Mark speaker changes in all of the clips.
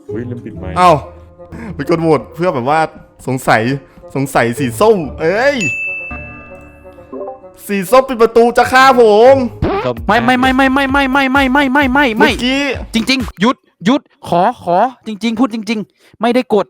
Speaker 1: ลืมปิดไมค์
Speaker 2: เอ้าไปกดโหวตเพื่อแบบว่าสงสัยสีส้มเอ้ยสีส้มปิดประตูจะฆ่าผม
Speaker 3: ไม่เมื่อ
Speaker 2: กี้
Speaker 3: จริงๆหยุดขอจริงๆพูดจริงๆไม่ได้กด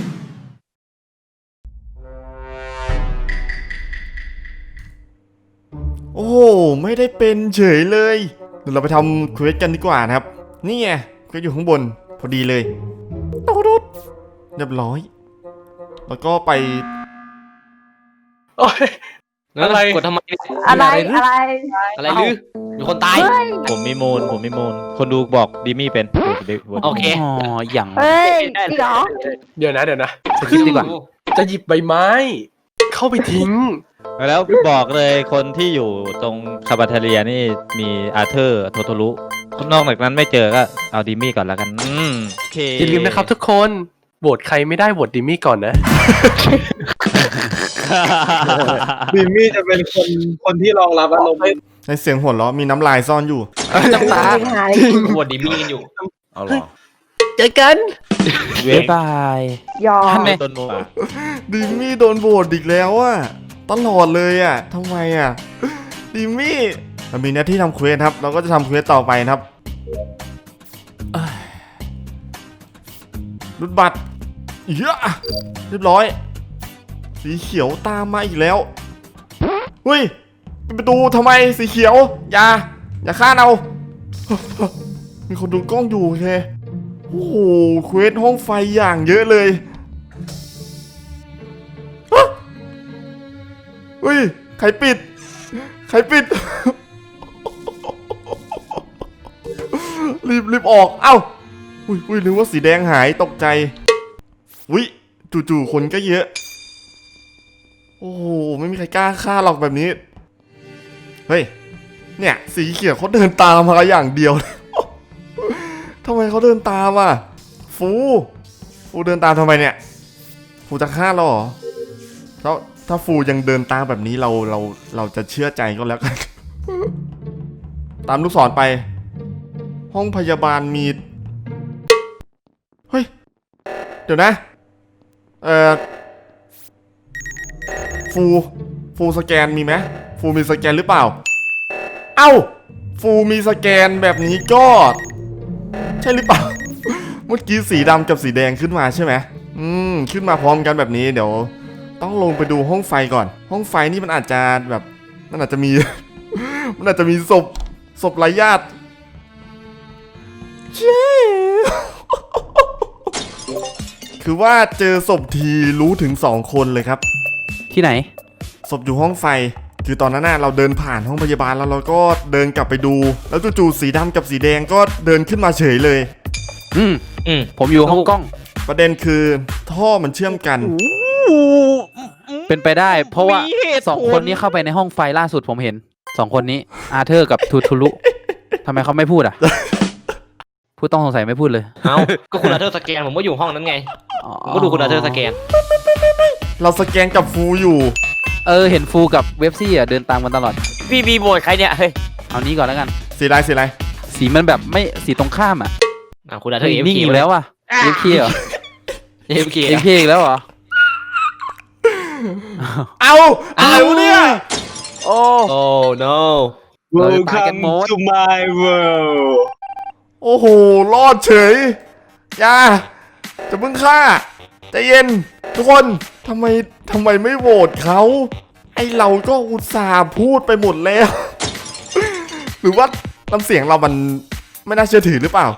Speaker 2: โอ้ไม่ได้เป็นเฉยเลยเดี๋ยวเราไปทำเควสกันดีกว่านะครับนี่ไงเควสอยู่ข้างบนพอดีเลยตุ๊ดเรียบร้อยแล้วก็ไป
Speaker 4: โอ้ย
Speaker 5: อะไรกดทำไม
Speaker 6: อะไร
Speaker 5: อะไรลือมีคนตาย
Speaker 1: ผมมีมูลคนดูบอกดิมี่เป็น
Speaker 5: โอเค
Speaker 3: อ๋ออย่าง
Speaker 6: เฮ้ยจริงเหรอ
Speaker 4: เดี๋ยวนะ
Speaker 3: สกิปดีกว่า
Speaker 4: จะหยิบใบไม้ เข้าไปทิ้ง
Speaker 1: แล้วบอกเลยคนที่อยู่ตรงคาบาเทเลียนี่มีอาเธอร์โทโทรุนอกจากนั้นไม่เจอก็เอาดิมี่ก่อนแล้วกันโอเค
Speaker 4: อย่าลืมนะครับทุกคนโหวตใครไม่ได้โหวตดิมี่ก่อนนะ
Speaker 7: ดิมมี่จะเป็นคนที่รองรับอารมณ์
Speaker 2: ในเสียงหัวเราะมีน้ำลายซ่อนอยู่
Speaker 4: น้ำตา
Speaker 5: บวดดิมี่กันอยู่
Speaker 1: เอาหรอ
Speaker 4: เจอกัน
Speaker 3: บ๊ายบาย
Speaker 6: ยอม
Speaker 3: ท่านแม่
Speaker 1: ต้นโม
Speaker 2: ดิมมี่โดนโหวตอีกแล้วอะตลอดเลยอะทำไมอะดิมมี่เรามีหน้าที่ทำเควสครับ เราก็จะทำเควสต่อไปนะครับเอ้ยรุดบัตรเยอะเรียบร้อย สีเขียวตามมาอีกแล้วเฮ้ยปิดประตูทำไมสีเขียวอย่าฆ่าเรา มีคนดูกล้องอยู่โอเคโอ้โหเควสห้องไฟอย่างเยอะเลยฮะเฮ้ยใครปิด รีบออกเอ้าอุ้ยนึกว่าสีแดงหายตกใจอุ้ยจู่ๆคนก็เยอะโอ้โหไม่มีใครกล้าฆ่าหรอกแบบนี้เฮ้ยเนี่ยสีเขียวเขาเดินตามมาอย่างเดียวทำไมเขาเดินตามอ่ะฟูเดินตามทำไมเนี่ยฟูจะฆ่าเราเหรอถ้าฟูยังเดินตามแบบนี้เราจะเชื่อใจก็แล้วกัน ตามลูกศรไป ห้องพยาบาลมีเฮ้ยเดี๋ยวนะฟูสแกนมีไหมฟูมีสแกนหรือเปล่าเอ้าฟูมีสแกนแบบนี้ก็ใช่หรือเปล่า เมื่อกี้สีดำกับสีแดงขึ้นมาใช่ไหมขึ้นมาพร้อมกันแบบนี้เดี๋ยวต้องลงไปดูห้องไฟก่อนห้องไฟนี่มันอาจจะแบบมันอาจจะมี มันอาจจะมีศพไร้ญาติเจ๊คือว่าเจอศพทีรู้ถึง2 คนเลยครับ
Speaker 3: ที่ไหน
Speaker 2: ศพอยู่ห้องไฟคือตอนนั้นเราเดินผ่านห้องพยาบาลแล้วเราก็เดินกลับไปดูแล้วจู่ๆสีดำกับสีแดงก็เดินขึ้นมาเฉยเลย
Speaker 3: ผมอยู่ห้องกล้อง
Speaker 2: ประเด็นคือท่อมันเชื่อมกัน
Speaker 3: เป็นไปได้เพราะว่า2 คนนี้เข้าไปในห้องไฟล่าสุดผมเห็น2 คนนี้อาเธอร์กับทูทูรุทำไมเขาไม่พูดอ่ะ ผู้ต้องสงสัยไม่พูดเลย
Speaker 5: เอ้าก็คุณอาเธอร์สแกนผมก็อยู่ห้องนั้นไงผมก็ดูคุณอาเธอร์สแกน
Speaker 2: เราสแกนกับฟูอยู่
Speaker 3: เห็นฟูกับเว็บซี่อ่ะเดินตามกันตลอด
Speaker 5: พี่บีโบดใครเนี่ยเฮ้ย
Speaker 3: เอานี้ก่อนแล้วกัน
Speaker 2: สีอะไร
Speaker 3: สีมันแบบไม่สีตรงข้ามอ่ะ
Speaker 5: คุณอาเธอร์
Speaker 3: นิ่งอีกแล้วอ่ะเอฟเคเหรอเอฟเคอีกแล้วเหรอ
Speaker 2: เอาอะไรวะเนี่ย
Speaker 5: โอ้ no
Speaker 7: Welcome to my world
Speaker 2: โอ้โหรอดเฉยอย่าจะเพิ่งฆ่าใจเย็นทุกคนทำไมไม่โหวตเขาไอเราก็อุตส่าห์พูดไปหมดแล้ว หรือว่าน้ำเสียงเรามันไม่น่าเชื่อถือหรือเปล่า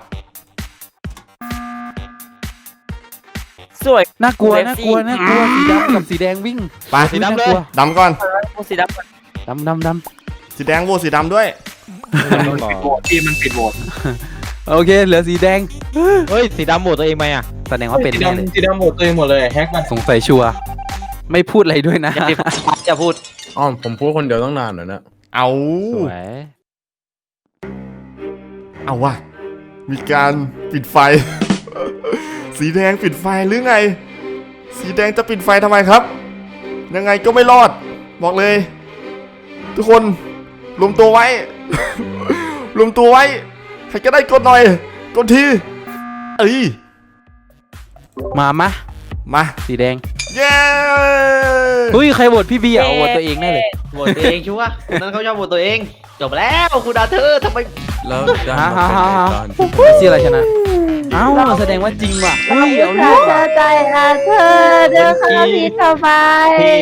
Speaker 5: สวย
Speaker 3: น่ากลัวสีดำกับสีแดงวิ่ง
Speaker 2: ไป
Speaker 1: สีดำเลย
Speaker 2: ดำก่อน
Speaker 5: สีดำ
Speaker 2: สีแดงโหวตสีดำด้วย
Speaker 7: มันปิดโหวต
Speaker 3: โอเคเหลือสีแดง
Speaker 1: เฮ้ยสีดำโหวตตัวเองไหมอ่ะ
Speaker 3: แสดงว่าเป็นแน่เลย
Speaker 7: สีดำโหวตตัวเองหมดเลยแฮกมัน
Speaker 3: สงสัยชัวร์ไม่พูดอะไรด้วยนะ
Speaker 5: อย่าพูด
Speaker 7: ผมพูดคนเดียวต้องนานหน่อยนะ
Speaker 2: เอาว่ะมีการปิดไฟ สีแดงปิดไฟหรือไงสีแดงจะปิดไฟทำไมครับยังไงก็ไม่รอดบอกเลยทุกคนรวมตัวไว้ รวมตัวไว้ใครก็ได้กดหน่อยกดที
Speaker 3: มา
Speaker 2: มา
Speaker 3: สีแดง
Speaker 2: เย้
Speaker 3: เฮ้ยใครโหวตพี่บีเอาโหวตตัวเองแน่เลย
Speaker 5: โหวตตัวเองชัวร์คนนั้นเขาชอบโหวตตัวเอง จบแล้วคุณอาเธอร์ทำไม
Speaker 6: แล้วได้
Speaker 3: ฮ่า
Speaker 6: มา
Speaker 3: ฮ่า
Speaker 6: เป็น
Speaker 3: ฮ่า
Speaker 6: ในตอนที่
Speaker 3: ชื่ออะไรชนะเอ้าแสดงว่าจริงว่ะเฮ้ยเอา
Speaker 8: เธ
Speaker 3: เรื่
Speaker 8: อ
Speaker 3: อง
Speaker 8: เธ
Speaker 3: ว่ะ
Speaker 8: อใจอาเธอเดินเข้ามาผิดทำไม
Speaker 5: พี่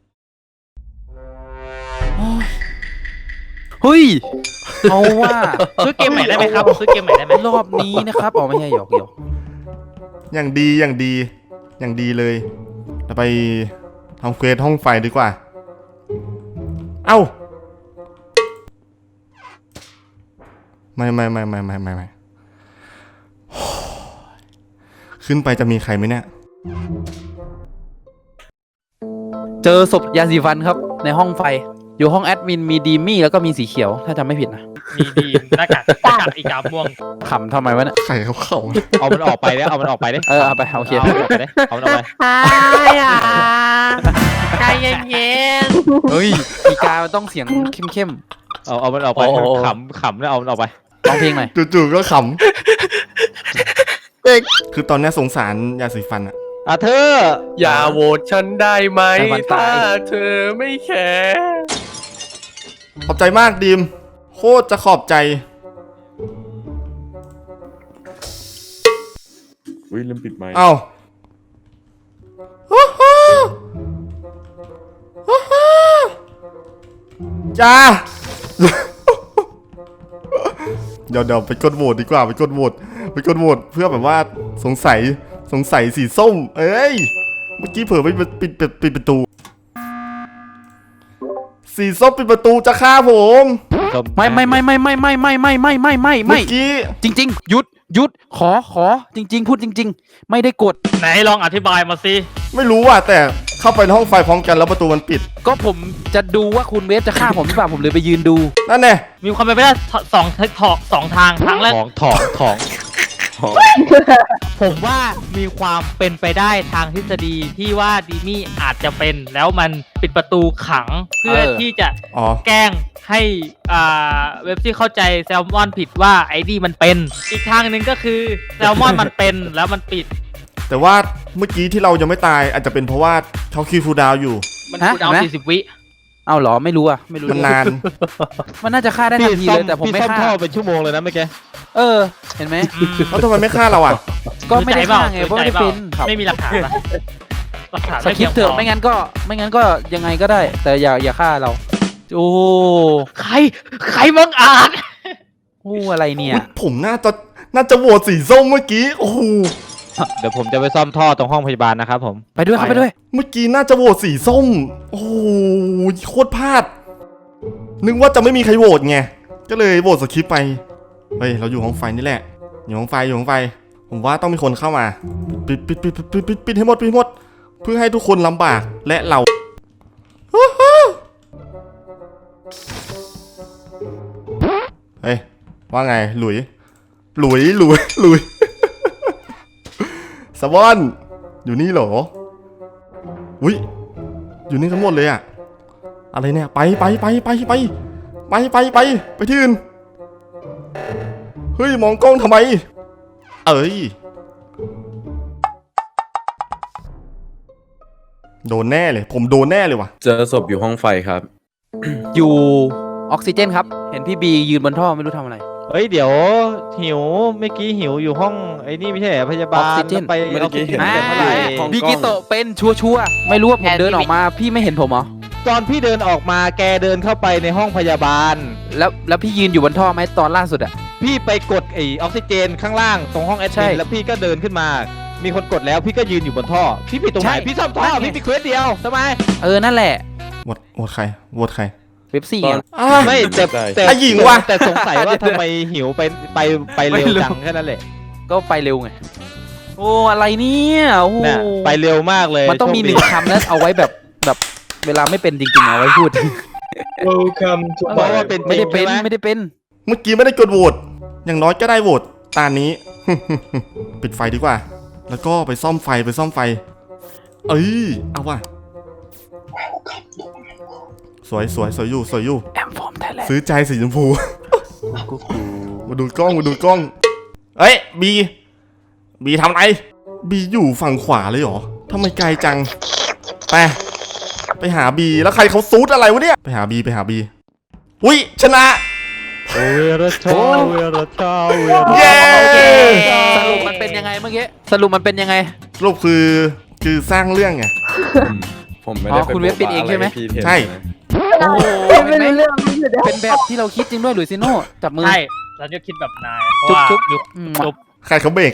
Speaker 3: เฮ้ยเอาว่า
Speaker 5: ซื้อเกมใหม่ได้ไหมครับซื้อเกมใหม่ได้ไหม
Speaker 3: รอบนี้นะครับอ๋อไม่ใช่หยอก
Speaker 2: อย่างดีอย่างดีอย่างดีเลยเราไปทำเควสห้องไฟดีกว่า เอ้าไม่ขึ้นไปจะมีใครไหมเนี่ย
Speaker 3: เจอศพยาสีฟันครับในห้องไฟ อยู่ห้องแอดมินมีดีมี่แล้วก็มีสีเขียวถ้าจำไม่ผิดนะ
Speaker 5: มีดีหน้ากากอีกาม่วง
Speaker 3: ขำทำไมวะเนี่ย
Speaker 2: ใครเขาเข้า
Speaker 1: เอามันออกไปเด้เอามันออกไปเด้
Speaker 3: เอาไปโอเค
Speaker 1: เอามันออกไปเด้เอามันออกไป
Speaker 5: ใจเย็น
Speaker 3: เฮ้ยอีกามันต้องเสียงเข้ม
Speaker 1: เอามันออกไปขำแล้วเอามันออกไป
Speaker 3: ๆร้องเพลงหน่อย
Speaker 2: จู่ๆก็ขำคือตอนเนี้ยสงสารยาสีฟันอะ
Speaker 1: อาเธอร์
Speaker 4: อย่าโหวตฉันได้ไหมถ้าเธอไม่แคร์
Speaker 2: ขอบใจมากดีมโคตรจะขอบใจ
Speaker 6: อุ้ยลืมปิดไมค์
Speaker 2: เอ้าจ้า เดี๋ยวไปกดโหวตดีกว่าไปกดโหวตเพื่อแบบว่าสงสัยสีส้ม เอ้ยเมื่อกี้เผลอไปปิดประตู สีส้มปิดประตูจะฆ่าผม
Speaker 3: ไม่เมื่อ
Speaker 2: กี้
Speaker 3: จริงๆหยุดขอจริงๆพูดจริง ๆ ไม่ได้กด
Speaker 5: ไหนลองอธิบายมาสิ
Speaker 2: ไม่รู้อ่ะแต่เข้าไปในห้องไฟพร้อมกันแล้วประตูมันปิด
Speaker 3: ก็ผมจะดูว่าคุณเวฟจะฆ่าผมหรือเปล่าผมเลยไปยืนดู
Speaker 2: นั่นแน่
Speaker 5: มีความเป็นไปได้สองทางทางแรก
Speaker 1: ของ
Speaker 5: ผมว่ามีความเป็นไปได้ทางทฤษฎีที่ว่าดีมี่อาจจะเป็นแล้วมันปิดประตูขังเพื่อที่จะ
Speaker 2: อ๋อ
Speaker 5: แกล้งให้เว็บที่เข้าใจแซลมอนผิดว่าไอ้นี่มันเป็นอีกทางหนึ่งก็คือแซลมอนมันเป็นแล้วมันปิด
Speaker 2: แต่ว่าเมื่อกี้ที่เรายังไม่ตายอาจจะเป็นเพราะว่าเขาคิวฟูลดาวน์อยู่
Speaker 5: มันคูลดาวน์40 วิ
Speaker 3: เอาเหรอไม่รู้อ่ะไม่รู้
Speaker 2: มันนาน
Speaker 3: มันน่าจะฆ่าได้ทันทีเลยแต่ผมไม่
Speaker 1: พี่ซ่อม
Speaker 3: ฆ่า
Speaker 1: ท่อเป็นชั่วโมงเลยนะเมื่อกี้
Speaker 3: เห็นไหม
Speaker 2: แล้วทำไมไม่ฆ่าเราอ่ะ
Speaker 3: ก็ไม่ได้ฆ่าไงเพราะไม่ได้เป็น
Speaker 5: ไม่มีหลักฐานปะหลักฐาน
Speaker 3: สคริปต์เถอะไม่งั้นก็ยังไงก็ได้ แต่อย่าฆ่าเราโอ้
Speaker 5: ใครมึงอ่าน
Speaker 3: โหอะไรเนี่ย
Speaker 2: อุ๊ยผมน่าจะโหวตสีส้มเมื่อกี้ โอ้โห
Speaker 1: เดี๋ยวผมจะไปซ่อมท่อตรงห้องพยาบาลนะครับผม
Speaker 3: ไปด้วยครับไปด้วย
Speaker 2: เมื่อกี้น่าจะโหวตสีส้ม โอ้โหโคตรพลาด นึกว่าจะไม่มีใครโหวตไง ก็เลยโหวตสคริปต์ไป เฮ้ย เราอยู่ห้องไฟนี่แหละ อยู่ห้องไฟ ผมว่าต้องมีคนเข้ามา ปิดให้หมด เพื่อให้ทุกคนลำบาก และเรา เฮ้ย ว่าไง หลุย สวอน อยู่นี่เหรอ อุ้ย อยู่นี่ทั้งหมดเลยอะอะไรเนี่ย ไปที่อื่น เฮ้ย มองกล้องทำไม เอ้ย โดนแน่เลย ผมโดนแน่เลยว่ะ
Speaker 6: เจอศพอยู่ห้องไฟครับ
Speaker 3: อยู่ออกซิเจนครับเห็นพี่บียืนบนท่อไม่รู้ทำอะไร
Speaker 1: เฮ้ยเดี๋ยวหิวเมื่อกี้หิวอยู่ห้องไอ้นี่ไม่ใช่เหรอพยาบาล
Speaker 3: ออกซิเจน
Speaker 1: ไป
Speaker 6: เมื่อกี้เห็น
Speaker 1: แต่เมื่อไหร่
Speaker 6: ของ
Speaker 3: บิกิโตะเป็นชัวร์ไม่รู้ว่าผมเดินออกมาพี่ไม่เห็นผมเหรอ
Speaker 1: ตอนพี่เดินออกมาแกเดินเข้าไปในห้องพยาบาล
Speaker 3: แล้วพี่ยืนอยู่บนท่อไหมตอนล่าสุดอะ
Speaker 1: พี่ไปกดไอออกซิเจนข้างล่างตรงห้องแอด
Speaker 3: ใช่
Speaker 1: มินแล้วพี่ก็เดินขึ้นมา มีคนกดแล้วพี่ก็ยืนอยู่บนท่อ พี่ผิดตรงไหน
Speaker 3: ใช่
Speaker 1: พี่ซ่อมท่อ
Speaker 3: นั่นไง
Speaker 1: พี่มีเควสเดียวทำไม
Speaker 3: นั่นแหละ
Speaker 2: โหวตใคร
Speaker 3: เว็บซี่
Speaker 6: ต
Speaker 3: ไง
Speaker 6: อน
Speaker 1: ไม่แต่แต่
Speaker 2: ไอ้หญิงว่ะ
Speaker 1: แต่สงสัยว่าทำไมหิวไปเร็วจังแค่นั้นแหละ
Speaker 3: ก็ไปเร็วไงโอ้อะไรเนี่ยโอ้โห
Speaker 1: เนี่ยไปเร็วมากเลย
Speaker 3: มันต้องมี
Speaker 1: โช
Speaker 3: ห
Speaker 1: ดี
Speaker 3: นึ่งคำแล้วเอาไว้แบบเวลาไม่เป็นจริงๆเอาไว้พูด
Speaker 7: Welcome to
Speaker 1: เพราะว่า
Speaker 7: my
Speaker 1: เป็น
Speaker 3: ไม่ได้เป็น
Speaker 1: จริงใช่ห
Speaker 3: ไม่ได้เป็น
Speaker 2: เมื่อกี้ไม่ได้กดโหวต อย่างน้อยก็ได้โหวตตานี้ ปิดไฟดีกว่า แล้วก็ไปซ่อมไฟ เอ้ย เอาว่ะ สวยอยู่
Speaker 3: แอมฟอร์มไทยแลนด์
Speaker 2: ซื้อใจสีชมพู มาดูกล้อง เอ้ย บีทำไรบีอยู่ฝั่งขวาเลยเหรอทำไมไกลจังไปหาบีแล้วใครเขาซูดอะไรวะเนี่ยไปหาบีอุ้ยชนะ
Speaker 1: เวรชาเวรชาเวร
Speaker 2: เย้
Speaker 3: สรุปมันเป็นยังไงเมื่อกี้สรุปมันเป็นยังไง
Speaker 2: สรุปคือสร้างเรื่องไง
Speaker 6: ผมไม่ได้
Speaker 3: อ๋อคุณเว็บปิดเองใช่ไหม
Speaker 6: พี่เทน
Speaker 2: ใช่
Speaker 6: นะ
Speaker 3: โอ้โห
Speaker 8: ไม่
Speaker 3: เห็นไหม
Speaker 8: รู้เรื่องไม่รู้เรื่อง
Speaker 3: เป็นแบบที่เราคิดจริงด้วยหลุยซิโน่จับมือ
Speaker 5: ใช่เราจะคิดแบบนายเพราะว่า
Speaker 3: จุ๊บ
Speaker 5: ยุค
Speaker 3: อืม
Speaker 5: จุ๊บ
Speaker 2: ใครเขาเบรก